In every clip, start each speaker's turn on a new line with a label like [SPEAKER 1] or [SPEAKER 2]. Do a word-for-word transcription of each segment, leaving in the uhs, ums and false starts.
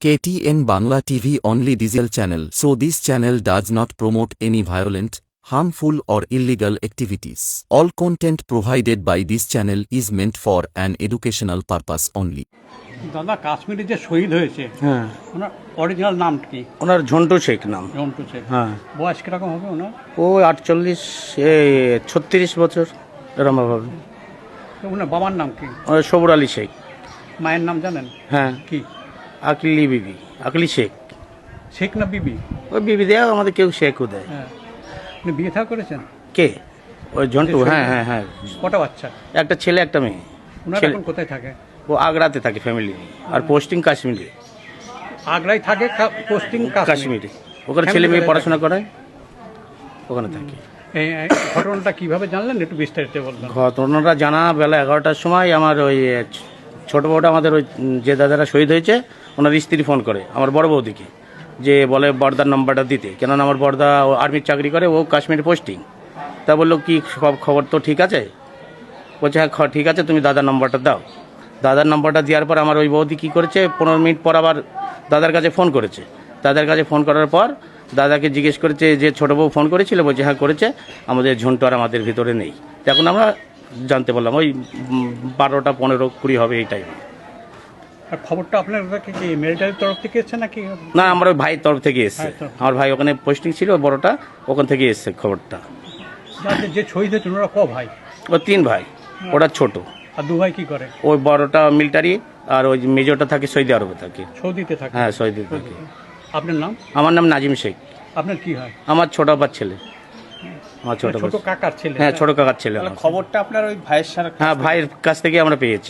[SPEAKER 1] K T N Bangla T V only digital channel, so this channel does not promote any violent, harmful or illegal activities. All content provided by this channel is meant for an educational purpose only.
[SPEAKER 2] দাদা কাশ্মীরে যে শহীদ হয়েছে
[SPEAKER 3] হ্যাঁ
[SPEAKER 2] ওনার original নাম কি?
[SPEAKER 3] ওনার ঝন্টু শেখ নাম।
[SPEAKER 2] রন্টু শেখ।
[SPEAKER 3] হ্যাঁ
[SPEAKER 2] বয়স কিরকম হবে ওনার?
[SPEAKER 3] ও আটচল্লিশ ছত্রিশ বছর এরম হবে।
[SPEAKER 2] তো ওনার বাবার নাম কি?
[SPEAKER 3] ওনার সবুর আলী শেখ।
[SPEAKER 2] মায়ের নাম জানেন?
[SPEAKER 3] হ্যাঁ
[SPEAKER 2] কি?
[SPEAKER 3] আকলি বিবি, আকলি শেখ।
[SPEAKER 2] শেখ না বিবি?
[SPEAKER 3] ওই বিবি দেয়, আমাদের কেউ শেখও দেয়।
[SPEAKER 2] হ্যাঁ আপনি বিয়ে থা করেছেন?
[SPEAKER 3] কে? ওই ঝন্টু? হ্যাঁ হ্যাঁ হ্যাঁ।
[SPEAKER 2] কটা বাচ্চা?
[SPEAKER 3] একটা ছেলে একটা মেয়ে।
[SPEAKER 2] ওনারা
[SPEAKER 3] ছেলে-
[SPEAKER 2] এখন কোথায় থাকে?
[SPEAKER 3] ও আগ্রাতে থাকে ফ্যামিলি, আর পোস্টিং কাশ্মীরে।
[SPEAKER 2] আগ্রায় থাকে, পোস্টিং
[SPEAKER 3] কাশ্মীরে ওখানে ছেলে মেয়ে পড়াশোনা করায়, ওখানে থাকে।
[SPEAKER 2] এই এই ঘটনাটা কিভাবে জানলেন একটু বিস্তারিত বলবেন?
[SPEAKER 3] ঘটনাটা জানা বেলা এগারোটার সময় আমার ওই ছোট বউটা, আমাদের ওই যে দাদারা শহীদ হয়েছে ওনার স্ত্রী ফোন করে আমার বড় বৌদিকে, যে বলে বর্দার নাম্বারটা দিতে, কেননা আমার বর্দা আর্মির চাকরি করে, ও কাশ্মীরে পোস্টিং। তা বললো কি সব খবর তো ঠিক আছে? বলছে হ্যাঁ খ- ঠিক আছে, তুমি দাদার নাম্বারটা দাও। দাদার নাম্বারটা দেওয়ার পর আমার ওই বৌদি কী করেছে, পনেরো মিনিট পর আবার দাদার কাছে ফোন করেছে। দাদার কাছে ফোন করার পর দাদাকে জিজ্ঞেস করেছে যে ছোটো বউ ফোন করেছিল, বলছে হ্যাঁ করেছে, আমাদের ঝন্টু আর আমাদের ভিতরে নেই। তো এখন আমরা জানতে পারলাম ওই উম, বারোটা পনেরো কুড়ি হবে এই টাইমে।
[SPEAKER 2] আর খবরটা আপনার কাছে কি মিলিটারির তরফ থেকে এসেছে নাকি?
[SPEAKER 3] না, আমার ওই ভাইয়ের তরফ থেকে এসছে।
[SPEAKER 2] ভাইয়ের তরফ।
[SPEAKER 3] আমার ভাই ওখানে পোস্টিং ছিল, বড়টা ওখান থেকে এসছে খবরটা।
[SPEAKER 2] যাদের যে শহীদ হয়েছে ওনারা ক ভাই?
[SPEAKER 3] ও তিন ভাই, ওটা ছোট।
[SPEAKER 2] আর দু ভাই কি করে?
[SPEAKER 3] ওই বড়টা মিলিটারি, আর ওই মেজরটা থাকে সৌদি আরবে থাকে।
[SPEAKER 2] সৌদিতে থাকে?
[SPEAKER 3] হ্যাঁ সৌদিতে থাকে।
[SPEAKER 2] আপনার নাম?
[SPEAKER 3] আমার নাম নাজিম শেখ।
[SPEAKER 2] আপনার কি হয়?
[SPEAKER 3] আমার ছোট আব্বার ছেলে, আমার ছোট
[SPEAKER 2] ছোট
[SPEAKER 3] আব্বার-
[SPEAKER 2] কাকার ছেলে?
[SPEAKER 3] হ্যাঁ ছোট কাকার ছেলে আমার।
[SPEAKER 2] খবরটা আপনার ওই ভাইয়ের সাথে?
[SPEAKER 3] হ্যাঁ ভাইয়ের কাছ থেকে আমরা পেয়েছি।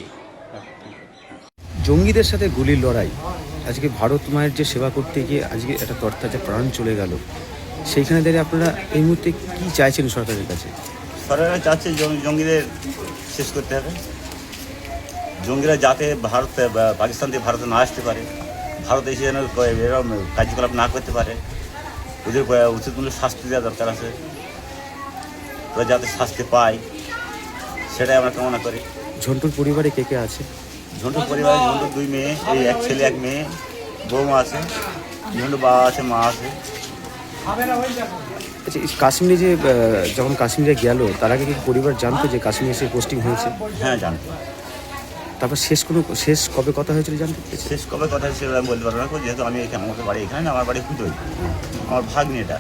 [SPEAKER 4] জঙ্গিদের সাথে গুলির লড়াই, আজকে ভারত মায়ের যে সেবা করতে গিয়ে আজকে একটা তরতাজা প্রাণ চলে গেল, সেইখানে দাঁড়িয়ে আপনারা এই মুহূর্তে কি চাইছেন সরকারের কাছে?
[SPEAKER 5] সরকার চাচ্ছে জঙ্গি- জঙ্গিদের শেষ করতে হবে। জঙ্গিরা যাতে ভারতে বা পাকিস্তান থেকে ভারতে না আসতে পারে, ভারতে এসে যেন এরকম কার্যকলাপ না করতে পারে, ওদের উচিত মূল্য শাস্তি দেওয়া দরকার আছে। ওরা যাতে শাস্তি পায় সেটাই আমরা কামনা করি।
[SPEAKER 4] ঝন্টুর পরিবারে কে কে আছে?
[SPEAKER 5] ঝন্টুর পরিবারে ঝন্টুর দুই মেয়ে, এই এক ছেলে এক মেয়ে, বৌমা আছে, ঝন্টুর বাবা আছে, মা আছে।
[SPEAKER 4] আচ্ছা, এই কাশ্মীরে যে আহ, যখন কাশ্মীরে গেল তার আগে কি পরিবার জানতো যে কাশ্মীরে এসে পোস্টিং হয়েছে?
[SPEAKER 5] হ্যাঁ জানতো।
[SPEAKER 4] তারপর শেষ কোনো শেষ কবে কথা হয়েছিল জানতে পেরেছে?
[SPEAKER 5] শেষ কবে কথা ছিল আমি বলতে পারবো না, যেহেতু আমি এখানে, আমাদের বাড়ি এখানে না, আমার বাড়ি পুজোই, আমার ভাগ্নি এটা।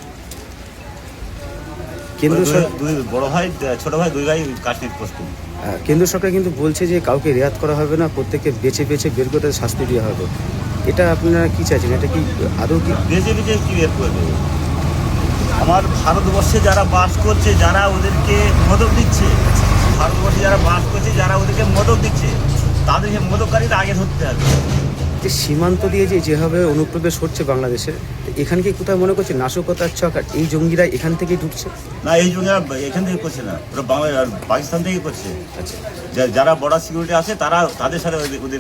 [SPEAKER 4] কেন্দ্র
[SPEAKER 5] দুই-
[SPEAKER 4] সরকার
[SPEAKER 5] দুই বড় ভাই, ছোট ভাই, দুই ভাই কাশ্মীর পোস্টিং।
[SPEAKER 4] আহ, কেন্দ্র সরকার কিন্তু বলছে যে কাউকে রেয়াত করা হবে না, প্রত্যেককে বেছে বেছে বের করে তাদের শাস্তি দেওয়া হবে। এটা আপনারা কি চাইছেন? এটা কি আদৌ কি?
[SPEAKER 5] বেঁচে বেঁচে কি বের করবে? আমার ভারতবর্ষে যারা বাস করছে, যারা ওদেরকে মদক দিচ্ছে, ভারতবর্ষে যারা বাস করছে, যারা ওদেরকে মদক দিচ্ছে, তাদেরকে মদককারীরা আগে ধরতে হবে।
[SPEAKER 4] যে সীমান্ত দিয়ে যে যেভাবে অনুপ্রবেশ হচ্ছে বাংলাদেশের, তো এখানে কি কোথাও মনে করছে নাশকতার ছক, আর এই জঙ্গিরা এখান থেকেই ঢুকছে?
[SPEAKER 5] না, এই জন্য এখান থেকে করছে না, ওরা বাংলা আর পাকিস্তান থেকে করছে।
[SPEAKER 4] আচ্ছা,
[SPEAKER 5] যা- যারা বর্ডার সিকিউরিটি আছে তারা, তাদের সাথে ওদের ওদের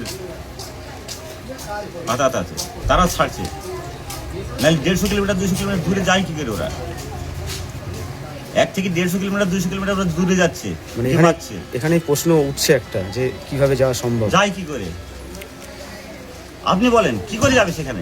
[SPEAKER 5] আঘাত আছে, তারা ছাড়ছে। নাহলে দেড়শো কিলোমিটার দুইশো কিলোমিটার দূরে যায় কি করে ওরা? এক থেকে দেড়শো কিলোমিটার দুইশো কিলোমিটার ওরা দূরে যাচ্ছে,
[SPEAKER 4] মানে
[SPEAKER 5] কে
[SPEAKER 4] এখানে
[SPEAKER 5] পাচ্ছে?
[SPEAKER 4] এখানে প্রশ্ন উঠছে একটা, যে কিভাবে যাওয়া সম্ভব?
[SPEAKER 5] যায় কি করে? আপনি বলেন কি করে যাবে সেখানে?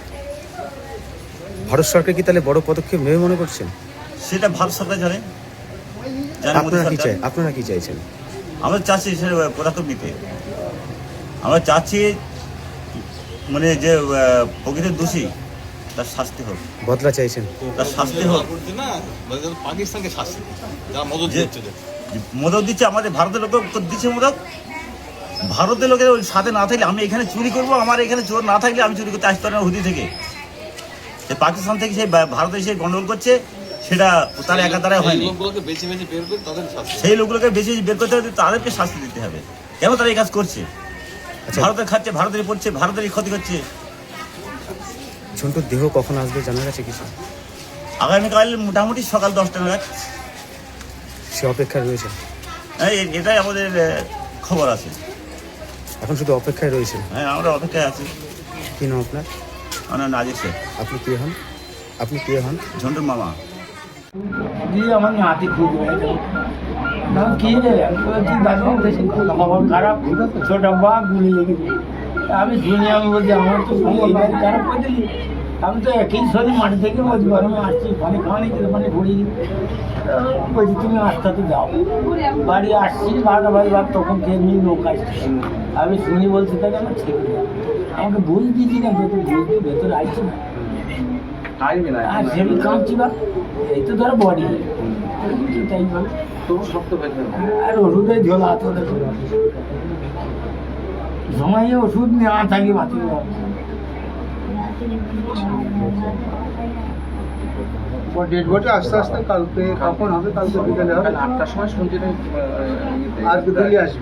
[SPEAKER 4] ভারত সরকার কি তাহলে বড় পদক্ষেপ নেবে মনে করছেন?
[SPEAKER 5] সেটা ভারত সরকার জানে, জানে মোদী
[SPEAKER 4] আপনারা কি
[SPEAKER 5] সরকার।
[SPEAKER 4] চাই আপনারা কি চাইছেন?
[SPEAKER 5] আমরা চাচ্ছি সে পদক্ষেপ নিতে। আমরা চাচ্ছি মানে যে আহ, প্রকৃত দোষী তার শাস্তি হোক,
[SPEAKER 4] বদলা চাইছেন?
[SPEAKER 5] তার শাস্তি হোক।
[SPEAKER 6] পাকিস্তানকে শাস্তি যারা মদত
[SPEAKER 5] যে
[SPEAKER 6] দিচ্ছে,
[SPEAKER 5] মদক দিচ্ছে, আমাদের ভারতের লোক দিচ্ছে মদক। ভারতের লোকের ওই সাথে না থাকলে আমি এখানে চুরি করবো, আমার এখানে চোর না থাকলে আমি চুরি করতে আসতে পারি না হুদি থেকে। সে পাকিস্তান থেকে সেই ভারতে এসে গন্ডগোল করছে, সেটা তার একা দ্বারাই হয়নি।
[SPEAKER 6] লোকগুলোকে বেছে বেছে বের করে তাদের শাস্তি।
[SPEAKER 5] সেই লোকগুলোকে বেশি বের করতে হবে, তাদেরকে শাস্তি দিতে হবে। কেন তারা এই কাজ করছে?
[SPEAKER 4] আচ্ছা,
[SPEAKER 5] ভারতের খাচ্ছে, ভারতেরই পড়ছে, ভারতেরই ক্ষতি করছে।
[SPEAKER 4] ঝন্টুর দেহ কখন আসবে জানা গেছে কিছু?
[SPEAKER 5] আগামীকাল মোটামুটি সকাল দশটা নাগাদ।
[SPEAKER 4] সে অপেক্ষায় রয়েছে,
[SPEAKER 5] হ্যাঁ, এ- এটাই আমাদের আহ, খবর আছে।
[SPEAKER 4] এখন শুধু অপেক্ষায় রয়েছে।
[SPEAKER 5] হ্যাঁ, আমরা অপেক্ষায় আছি।
[SPEAKER 4] কি নাম আপনার?
[SPEAKER 5] আমার নাজির শেখ,
[SPEAKER 4] আপনি কে হন? আপনি কে হন?
[SPEAKER 5] ঝন্টুর মামা।
[SPEAKER 7] দিয়ে আমার নাতি খুব হয়েছে কি রে আমি বলছি দাদু বেশি খবর খারাপ ছোট বা গুলি লেগে আমি শুনি, আমি বলছি আমার তো শুনি এইবার খারাপ করে দিলি। আমি তো একই শরীর মাঠে থেকে বলছি গরমে আসছি, পানি খাওয়া নেই কিন্তু পানি ঘুরি বলছি তুমি আস্তে আস্তে যাও। বাড়ি আসছি বারোটা বাজে ভাব তখন খেয়ে নিই নৌকা আসছি। আমি শুনি বলছি তাকে আমার ছেড়ে দেয়, আমাকে বুঝ দিচ্ছি না ভেতর বুঝতে ভেতরে আসছি না আর সেমি কাঁপছি বা এই তো ধরো বডি তাই বলে আর ওষুধের ঝোলা তো সময়ে ওষুধ নেওয়া থাকি বাঁচি
[SPEAKER 8] ডেড বডি আস্তে আস্তে কালকে কখন হবে? কালকে বিকেলে হবে।
[SPEAKER 3] আটটার সময় শুনছি
[SPEAKER 8] আজকে দিল্লি আসবে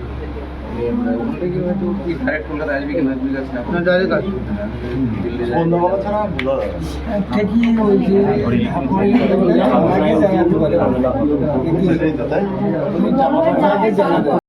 [SPEAKER 8] না ডাইরেক্ট আসবে?
[SPEAKER 7] ঠিকই ওই যে